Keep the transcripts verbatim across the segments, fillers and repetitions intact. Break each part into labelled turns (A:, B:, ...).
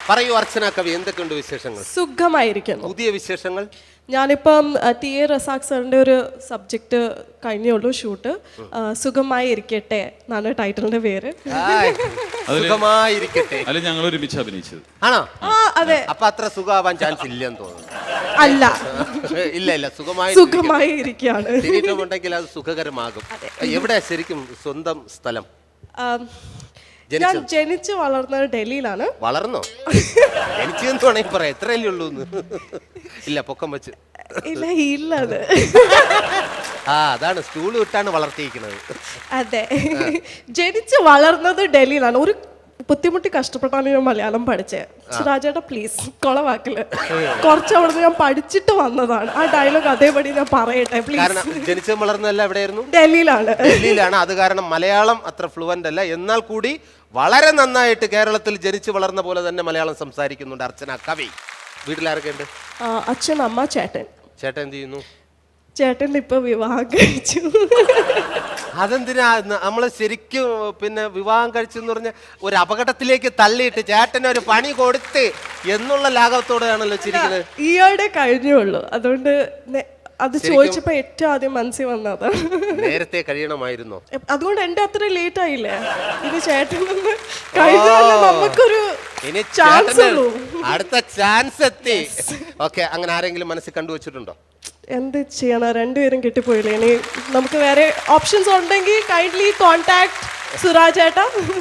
A: പറയൂ അർച്ചന കവി, എന്തൊക്കെയുണ്ട് വിശേഷങ്ങൾ?
B: സുഖമായിരിക്കുന്നു.
A: പുതിയ വിശേഷങ്ങൾ?
B: ഞാനിപ്പം ടി എ റസാഖ് സാറിൻ്റെ ഒരു സബ്ജക്റ്റ് കഴിഞ്ഞുള്ളൂ ഷൂട്ട്. സുഖമായി ഇരിക്കട്ടെ എന്നാണ് ടൈറ്റിലിന്റെ പേര്.
A: സുഖമായിരിക്കട്ടെ.
C: അല്ല, ഞങ്ങൾ ഒരുമിച്ച് അഭിനയിച്ചത്
A: ആണോ?
B: ആ അതെ.
A: അപ്പൊ അത്ര സുഖമാവാൻ ചാൻസ് ഇല്ലെന്ന് തോന്നുന്നു.
B: അല്ല,
A: ഇല്ല ഇല്ല, സുഖമായി
B: സുഖമായി ഇരിക്കുകയാണ്.
A: ശരീരമുണ്ടെങ്കിൽ അത് സുഖകരമാകും. എവിടെയാ ശരിക്കും സ്വന്തം സ്ഥലം?
B: ഞാൻ ജനിച്ച് വളർന്നത് ഡൽഹിയിലാണ്.
A: വളർന്നോ? ജനിച്ചെന്ന് വേണമെങ്കിൽ പറയാം, എത്രയല്ലേ ഉള്ളൂ. ഇല്ല, പൊക്കം വെച്ച്
B: ഇല്ല ഇല്ലത്.
A: ആ അതാണ്, സ്റ്റൂള് വിട്ടാണ് വളർത്തിയിരിക്കുന്നത്.
B: അതെ, ജനിച്ച് വളർന്നത് ഡൽഹിയിലാണ്. ഒരു ബുദ്ധിമുട്ടി കഷ്ടപ്പെട്ടാണ് ഞാൻ മലയാളം പഠിച്ചത്. സുരാജേട്ടാ പ്ലീസ് കൊളവാക്കില്. കുറച്ച് അവിടുന്ന് ഞാൻ പഠിച്ചിട്ട് വന്നതാണ്. ആ ഡയലോഗ് അതേപടി ഞാൻ പറയട്ടെ
A: കാരണം
B: പ്ലീസ്.
A: ജനിച്ചതും വളർന്നതല്ല എവിടെയായിരുന്നു?
B: ഡൽഹിയിലാണ്.
A: ഡൽഹിയിലാണ്. അത് കാരണം മലയാളം അത്ര ഫ്ലുവന്റ് അല്ല. എന്നാൽ കൂടി വളരെ നന്നായിട്ട് കേരളത്തിൽ ജനിച്ചു വളർന്ന പോലെ തന്നെ മലയാളം സംസാരിക്കുന്നുണ്ട് അർച്ചന കവി. വീട്ടിലാരൊക്കെ ഉണ്ട്?
B: അച്ഛൻ, അമ്മ, ചേട്ടൻ.
A: ചേട്ടൻ എന്ത് ചെയ്യുന്നു?
B: ചേട്ടൻ ഇപ്പൊ വിവാഹം കഴിച്ചു.
A: അതെന്തിനാ നമ്മള് ശരിക്കും പിന്നെ വിവാഹം കഴിച്ചെന്ന് പറഞ്ഞ ഒരു അപകടത്തിലേക്ക് തള്ളിയിട്ട് ചേട്ടന് ഒരു പണി കൊടുത്ത് എന്നുള്ള ലാഘവത്തോടെയാണല്ലോ ചിരിക്കുന്നത്.
B: ഈയോടെ കഴിഞ്ഞുള്ളൂ. അതുകൊണ്ട് അത് ചോദിച്ചപ്പോ ഏറ്റവും ആദ്യം മനസ്സിൽ വന്നത്
A: നേരത്തെ കഴിയണമായിരുന്നോ?
B: അതുകൊണ്ട് എന്റെ അത്ര ലേറ്റ് ആയില്ലേ. ഇനി ചേട്ടൻ കഴിഞ്ഞാൽ നമുക്കൊരു ചാൻസ് ഉള്ളൂ.
A: അടുത്ത ചാൻസ് എത്തി. ഓക്കെ, അങ്ങനെ ആരെങ്കിലും മനസ്സിൽ കണ്ടുവച്ചിട്ടുണ്ടോ?
B: എന്ത് ചെയ്യണം, രണ്ടുപേരും കിട്ടിപ്പോയില്ലേ. ഇനി നമുക്ക് വേറെ ഓപ്ഷൻസ് ഉണ്ടെങ്കിൽ കൈൻഡ്ലി കോൺടാക്ട് സുരാജ് ഏട്ടാ.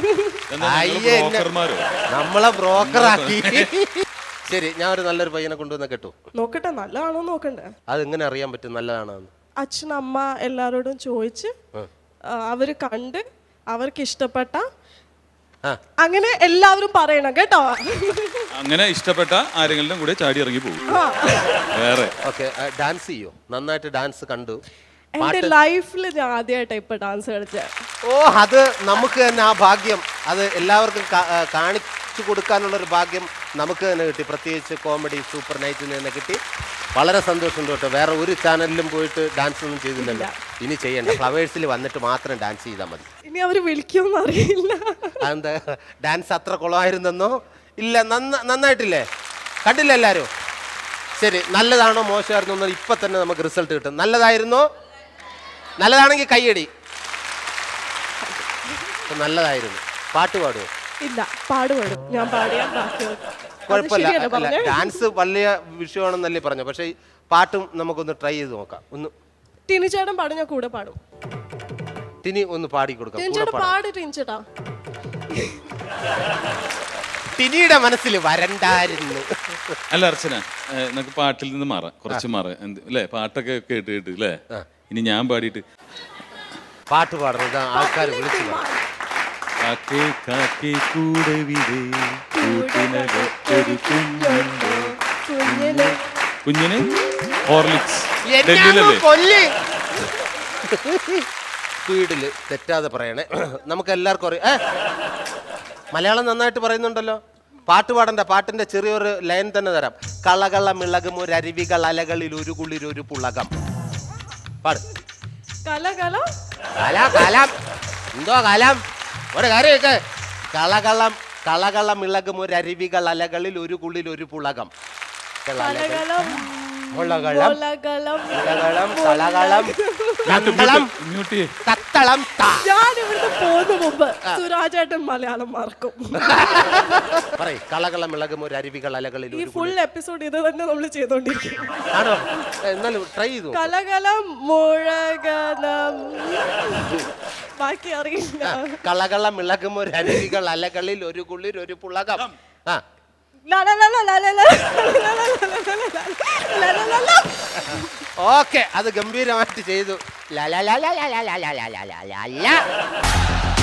A: നമ്മളെ ബ്രോക്കറാക്കി. ശരി, ഞാൻ ഒരു നല്ലൊരു പയ്യനെ കൊണ്ടുവന്ന കേട്ടു.
B: നോക്കട്ടെ, നല്ലതാണോ നോക്കണ്ടേ?
A: അത് എങ്ങനെ അറിയാൻ പറ്റും നല്ലതാണോ?
B: അച്ഛൻ, അമ്മ എല്ലാരോടും ചോദിച്ച് അവര് കണ്ട് അവർക്ക് ഇഷ്ടപ്പെട്ട അങ്ങനെ എല്ലാവരും പറയണം കേട്ടോ.
C: അങ്ങനെ ഇഷ്ടപ്പെട്ട ആരെങ്കിലും കൂടെ ചാടി ഇറങ്ങി പോകും. വേറെ
A: ഓക്കെ, ഡാൻസ് ചെയ്യോ? നന്നായിട്ട് ഡാൻസ് കണ്ടു.
B: എന്റെ ലൈഫിൽ ഞാൻ ആദ്യമായിട്ടാണ് ഇപ്പൊ ഡാൻസ് കളിച്ചത്.
A: ഓ, അത് നമുക്ക് തന്നെ ആ ഭാഗ്യം, അത് എല്ലാവർക്കും കാണിച്ചു കൊടുക്കാനുള്ള ഒരു ഭാഗ്യം നമുക്ക് തന്നെ കിട്ടി. പ്രത്യേകിച്ച് കോമഡി സൂപ്പർ നൈറ്റിന് തന്നെ കിട്ടി. വളരെ സന്തോഷമുണ്ട് കേട്ടോ. വേറെ ഒരു ചാനലിലും പോയിട്ട് ഡാൻസ് ഒന്നും ചെയ്തില്ലല്ലോ. ഇനി ചെയ്യണ്ട, ഫ്ലവേഴ്സിൽ വന്നിട്ട് മാത്രം ഡാൻസ് ചെയ്താൽ മതി.
B: ഇനി അവര് വിളിക്കുമെന്ന് അറിയില്ല.
A: അതെന്താ, ഡാൻസ് അത്ര കുളമായിരുന്നെന്നോ? ഇല്ല, നന്നായിട്ടില്ലേ? കണ്ടില്ല എല്ലാവരും? ശരി, നല്ലതാണോ മോശമായിരുന്നോ ഇപ്പൊ തന്നെ നമുക്ക് റിസൾട്ട് കിട്ടും. നല്ലതായിരുന്നോ? നല്ലതാണെങ്കിൽ കയ്യടി. നല്ലതായിരുന്നു. പാട്ട് പാടുമോ?
B: ഇല്ല, പാടുപാടും. ഞാൻ പാടിയാ
A: കുഴപ്പമില്ല. ഡാൻസ് വലിയ വിഷയമാണെന്നല്ലേ പറഞ്ഞു. പക്ഷെ പാട്ടും നമുക്കൊന്ന് ട്രൈ ചെയ്ത് നോക്കാം. ഒന്ന്
B: ടിനി ചേട്ടൻ പാടും, ഞാൻ കൂടെ പാടും.
A: ടിനി ഒന്ന് പാടി കൊടുക്കാം. ടിനിയുടെ മനസ്സിൽ വരണ്ടായിരുന്നു.
C: അല്ല അർച്ചന, നമുക്ക് പാട്ടിൽ നിന്ന് മാറാം, കുറച്ച് മാറാം അല്ലേ? പാട്ടൊക്കെ കേട്ട് കേട്ട് അല്ലേ? ഇനി ഞാൻ പാടിയിട്ട്
A: പാട്ട് പാടുന്നത് ആൾക്കാർ വിളിച്ചു
C: കുഞ്ഞിന് ഹോർലിക്സ്
A: സ്പീഡില് തെറ്റാതെ പറയണേ. നമുക്ക് എല്ലാവർക്കും അറിയാം, മലയാളം നന്നായിട്ട് പറയുന്നുണ്ടല്ലോ. പാട്ട് പാടണ്ട, പാട്ടിന്റെ ചെറിയൊരു ലൈൻ തന്നെ തരാം. കളകള മിളകും ഒരു അരുവികൾ അലകളിൽ ഒരു കുളിരൊരു പുളകം. പാട്.
B: കലകലം
A: കലം എന്തോ കലം ഒരു കാര്യമൊക്കെ. കളകളം കളകളം ഇളകും ഒരു അരുവികൾ അലകളിൽ ഒരു കുളിൽ ഒരു പുളകം.
B: ഞാനിവിടുന്ന് പോകുന്ന മുമ്പ് സുരാജേട്ടൻ മലയാളം മറക്കും.
A: കളകളം ഇളകും ഒരു അരുവികൾ അലകളിൽ.
B: ഈ ഫുൾ എപ്പിസോഡ് ഇത് തന്നെ നമ്മൾ ചെയ്തോണ്ടിരിക്കും.
A: ആണോ? എന്നാലും ട്രൈ ചെയ്തു.
B: കലകലം മുഴകലം, ബാക്കി അറിയില്ല.
A: കളകളം ഇളകും ഒരു അരുവികൾ അലകളിൽ ഒരു കുളിർ ഒരു പുളകം. ആ ഓക്കെ, അത് ഗംഭീരമായിട്ട് ചെയ്തു.